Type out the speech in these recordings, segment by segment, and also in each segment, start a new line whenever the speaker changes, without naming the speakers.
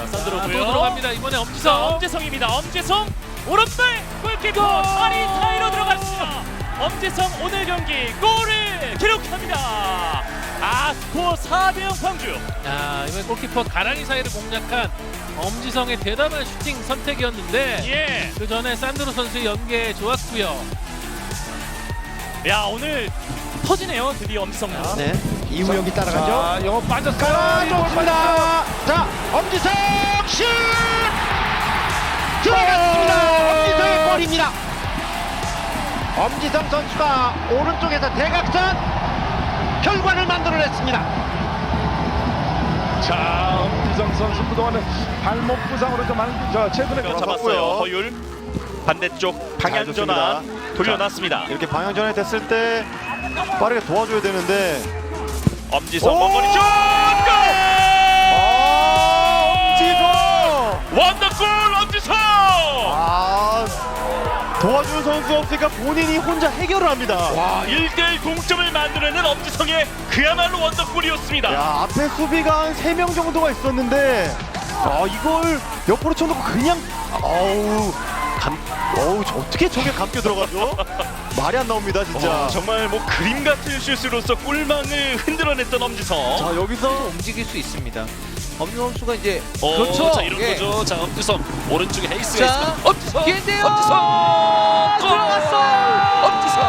산드로고요.
또 들어갑니다. 이번에
자,
엄지성.
엄지성입니다. 엄지성 오른발 골키퍼 다리 사이로 들어갔습니다. 엄지성 오늘 경기 골을 기록합니다. 스코어 4대0 광주.
야, 이번 골키퍼 가랑이 사이를 공략한 엄지성의 대단한 슈팅 선택이었는데
예.
그 전에 산드로 선수의 연계 좋았고요.
야, 오늘 터지네요. 드디어 엄지성.
네, 이우영이 따라가죠.
자, 영어 빠졌어요.
깔아줬습니다. 자, 엄지성 슛! 들어갔습니다. 엄지성의 골입니다. 엄지성 선수가 오른쪽에서 대각선 결과를 만들어냈습니다.
자, 엄지성 선수 그동안은 발목 부상으로 좀 최근에
잡았어요.
들어섰고요.
허율 반대쪽 방향
잘
전환
줬습니다.
돌려놨습니다.
이렇게 방향 전환이 됐을 때 빠르게 도와줘야 되는데
엄지성
오!
먼거리 슛! 골!
엄지성!
원더골 엄지성!
도와주는 선수가 없으니까 본인이 혼자 해결을 합니다.
와, 1대1 동점을 만들어낸 엄지성의 그야말로 원더골이었습니다.
야, 앞에 수비가 한 3명 정도가 있었는데 이걸 옆으로 쳐놓고 그냥 저 어떻게 저게 감겨 들어가죠? 말이 안 나옵니다 진짜.
정말 뭐 그림 같은 슛으로서 골망을 흔들어냈던 엄지성.
자, 여기서
움직일 수 있습니다. 엄지성 선수가 이제
그렇죠. 자, 이런
예.
거죠. 자, 엄지성 오른쪽에 헤이스가
자,
있습니다. 엄지성.
기회인데요.
엄지성. 골!
들어갔어요.
엄지성.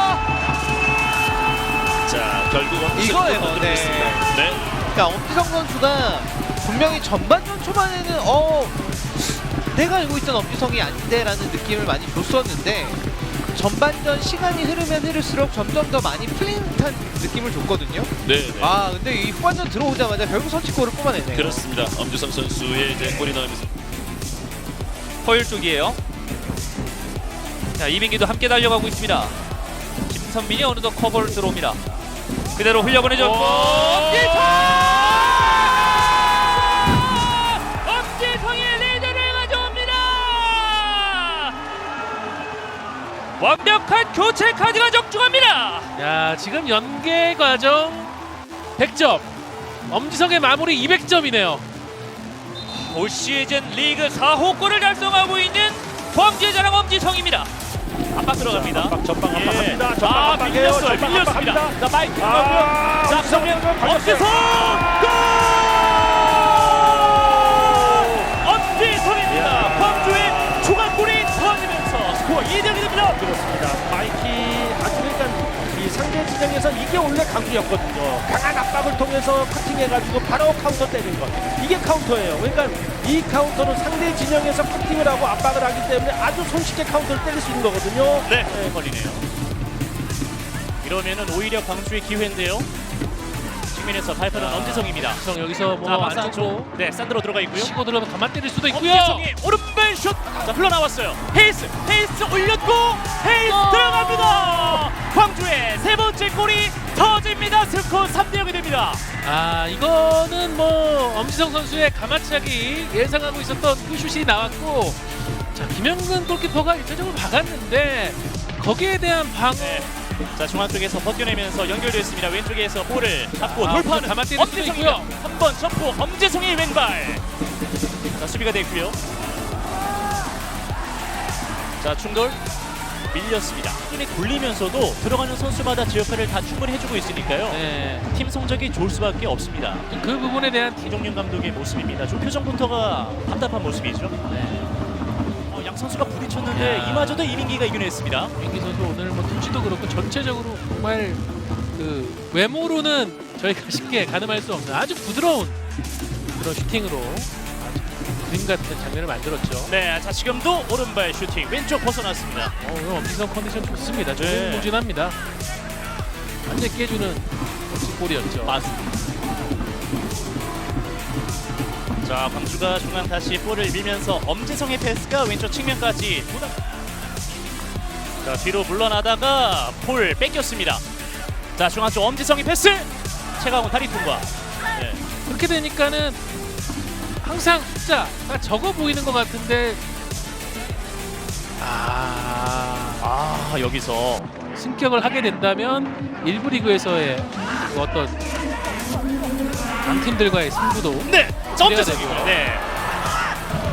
자, 결국 엄지성
이거예요.
만들어냈습니다. 네.
그러니까 엄지성 선수가 분명히 전반전 초반에는 내가 알고 있던 엄지성이 아닌데라는 느낌을 많이 줬었는데 전반전 시간이 흐르면 흐를수록 점점 더 많이 풀린 듯한 느낌을 줬거든요.
네.
근데 이 후반전 들어오자마자 결국 선취골을 뽑아내네요.
그렇습니다. 엄지성 선수의 이제 골이 나오면서 허율 쪽이에요. 자, 이민기도 함께 달려가고 있습니다. 김선민이 어느덧 커버를 들어옵니다. 그대로 흘려보내죠. 엄지성이 리드를 가져옵니다. 완벽한 교체 카드가 적중합니다.
야, 지금 연계 과정 100점. 엄지성의 마무리 200점이네요.
올 시즌 리그 4호 골을 달성하고 있는 광주의 자랑 엄지성입니다. 압박 들어갑니다.
전방
예.
압박합니다. 전방 압박이에요.
밀렸어요.
전방
밀렸습니다.
압박합니다.
자, 마이크 나오고요. 자, 정면 엄지성 골! 엄지성입니다. 광주의 추가골이 터지면서 스코어 2대0이 됩니다.
그렇습니다. 마이키 그러니까 이 상대 진영에서 이게 원래 강주였거든요. 강한 압박을 통해서 커팅해가지고 바로 카운터 때리는 것. 이게 카운터예요. 그러니까 이 카운터는 상대 진영에서 커팅을 하고 압박을 하기 때문에 아주 손쉽게 카운터를 때릴 수 있는 거거든요.
네, 걸리네요. 이러면은 오히려 광주의 기회인데요. 측면에서 발표는 엄지성입니다.
엄지성 여기서
자,
뭐
박스
안쪽으로
안쪽. 네, 산드로 들어가 있고요.
치고 들어가면 가만 때릴 수도 있고요.
엄지성이 오른발 슛! 자, 흘러나왔어요. 헤이스 올렸고 헤이스 들어갑니다. 광주의 세 번째 골이 터집니다. 스코어 3대0이 됩니다.
이거는 뭐 엄지성 선수의 가마차기 예상하고 있었던 그 슛이 나왔고, 자, 김영근 골키퍼가 일차적으로 박았는데 거기에 대한 방어.
네. 자, 중앙 쪽에서 벗겨내면서 연결됐습니다. 왼쪽에서 볼을 잡고
아,
돌파하는
가만 때릴 수도
엄지성이고요.
있고요.
한번 점프 엄지성의 왼발. 자, 수비가 됐고요. 자, 충돌 밀렸습니다. 힘이 굴리면서도 들어가는 선수마다 제 역할을 다 충분히 해주고 있으니까요.
네,
팀 성적이 좋을 수밖에 없습니다.
그 부분에 대한
이종윤 감독의 모습입니다. 좀 표정부터가 답답한 모습이죠.
네.
양 선수가 부딪혔는데
야.
이마저도 이민기가 이겨냈습니다.
민기 선수 오늘 뭐 투지도 그렇고 전체적으로 정말 그 외모로는 저희가 쉽게 가늠할 수 없는 아주 부드러운 그런 슈팅으로 아주 그림 같은 장면을 만들었죠.
네, 자, 지금도 오른발 슈팅 왼쪽 벗어났습니다.
오늘 엄지성 컨디션 좋습니다.
네.
조진무진합니다. 완전 깨주는 멋진 골이었죠.
맞습니다. 자, 광주가 중앙 다시 볼을 밀면서 엄지성의 패스가 왼쪽 측면까지 자, 뒤로 물러나다가 볼 뺏겼습니다. 자, 중앙 쪽 엄지성의 패스 최강훈 다리 통과. 네.
그렇게 되니까는 항상 숫자가 적어 보이는 것 같은데
여기서
승격을 하게 된다면 일부 리그에서의 그 어떤 강팀들과의 승부도
네,
기대가
엄지성이고요.
되고요.
네.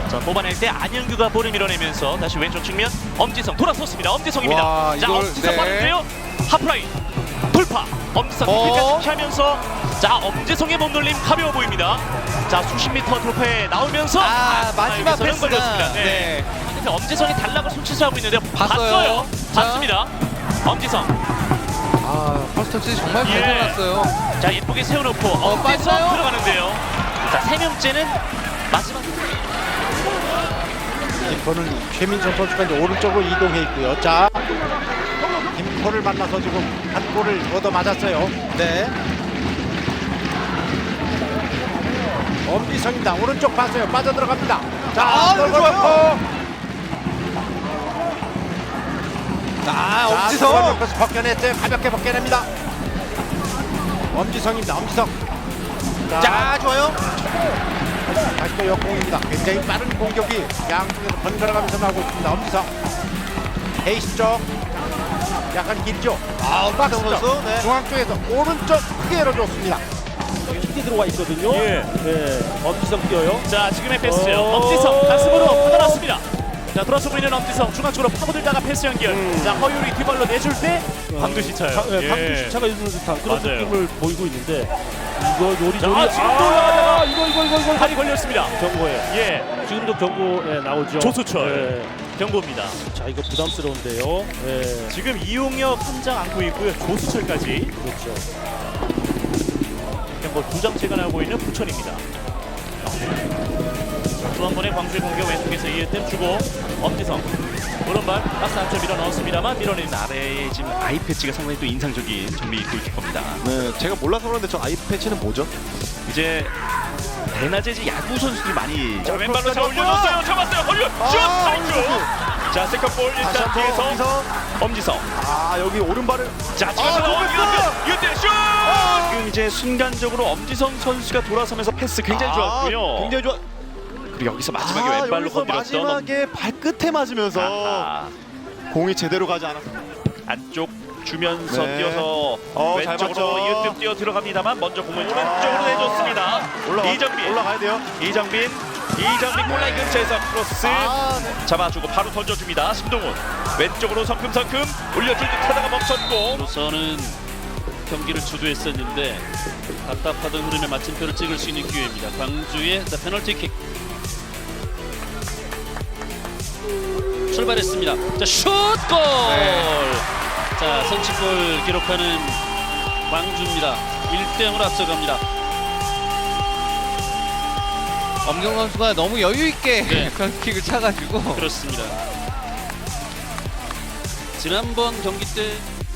자, 뽑아낼 때 안현규가 볼을 밀어내면서 다시 왼쪽 측면 엄지성 돌아섰습니다. 엄지성입니다.
와,
자,
이걸,
엄지성
네.
빠른데요. 하프라인 돌파. 엄지성 뒤까지 피하면서 자, 엄지성의 몸놀림 가벼워 보입니다. 자, 수십 미터 돌파에 나오면서
마지막
여기서는
패스가
걸렸습니다.
네.
근데 엄지성이 단락을 손짓하고 있는데
봤어요. 자.
봤습니다. 엄지성.
퍼스트 터치 정말 잘
예.
살았어요.
자, 예쁘게 세워놓고 엄지성
빠져요.
들어가는데요. 자, 세 명째는 마지막.
김포는 최민선 선수가 이제 오른쪽으로 이동해 있고요. 자, 김포를 만나서 지금 한 골을 얻어 맞았어요.
네.
엄지성입니다. 오른쪽 봤어요. 빠져 들어갑니다.
아, 이거 좋아요.
엄지성. 여기서 벗겨냈어요. 가볍게 벗겨냅니다. 엄지성입니다. 엄지성.
자, 좋아요.
다시 또 역공입니다. 굉장히 빠른 공격이 양쪽에서 번갈아가면서 나오고 있습니다. 엄지성. 베이스 쪽. 약간 길죠. 박스 쪽.
선수, 네.
중앙 쪽에서 오른쪽 크게 열어줬습니다.
깊게 들어와 있거든요.
예.
엄지성 뛰어요.
자, 지금의 패스요. 엄지성 가슴으로 받아놨습니다. 자, 돌아서고 있는 엄지성 중앙 쪽으로 파고들다가 패스 연결. 자, 허율이 뒤발로 내줄 때 방두시 차요.
방금 시차가 있는 듯한 그런
맞아요.
느낌을 보이고 있는데 이거 요리조리
자, 지금도 올라가다가
이거
팔이 걸렸습니다.
경고예요.
예,
지금도 경고 나오죠.
조수철 경고입니다.
자 이거 부담스러운데요.
지금 이용혁 한 장 안고 있고요. 조수철까지
그렇죠.
경고 2장 체감하고 있는 부천입니다. 또 한 번의 광주의 공격 왼쪽에서 이해템 주고 엄지성 오른발 박스 안쪽 밀어 넣었습니다만 밀어내는 아래에 지금 아이 패치가 상당히 또 인상적인 정비 골키퍼입니다.
네, 제가 몰라서 그런데 저 아이 패치는 뭐죠?
이제 대낮에 이제 야구 선수들이 많이 자, 왼발로 잘 올려줬어요. 잡았어요. 헐려 슛! 파이크! 자, 세컨볼
다시
일단
한번
뒤에서
엄지성.
엄지성.
여기 오른발을
자, 찍어서 이때 슛! 지금 이제 순간적으로 엄지성 선수가 돌아서면서 패스 굉장히 좋았고요.
굉장히 좋아.
그리고 여기서 마지막에 왼발로
여기서
건드렸던
마지막에 발끝에 맞으면서
아하.
공이 제대로 가지 않았어.
안쪽 주면서
네.
뛰어서
잘
왼쪽으로
맞죠.
이으뜸 뛰어 들어갑니다만 먼저 공을 왼쪽으로 내줬습니다. 이정빈
올라가야 돼요.
이정빈 골라인 근처에서 크로스 잡아주고 바로 던져줍니다. 심동훈 왼쪽으로 성큼성큼 올려줄 듯 하다가 멈췄고
우선은 경기를 주도했었는데 답답하던 흐름에 마침표를 찍을 수 있는 기회입니다. 광주의 자, 페널티킥 출발했습니다. 자, 슛골! 자, 선취골 기록하는 광주입니다. 1대0으로 앞서갑니다.
엄경 선수가 너무 여유 있게
네.
킥을 차가지고
그렇습니다. 지난번 경기 때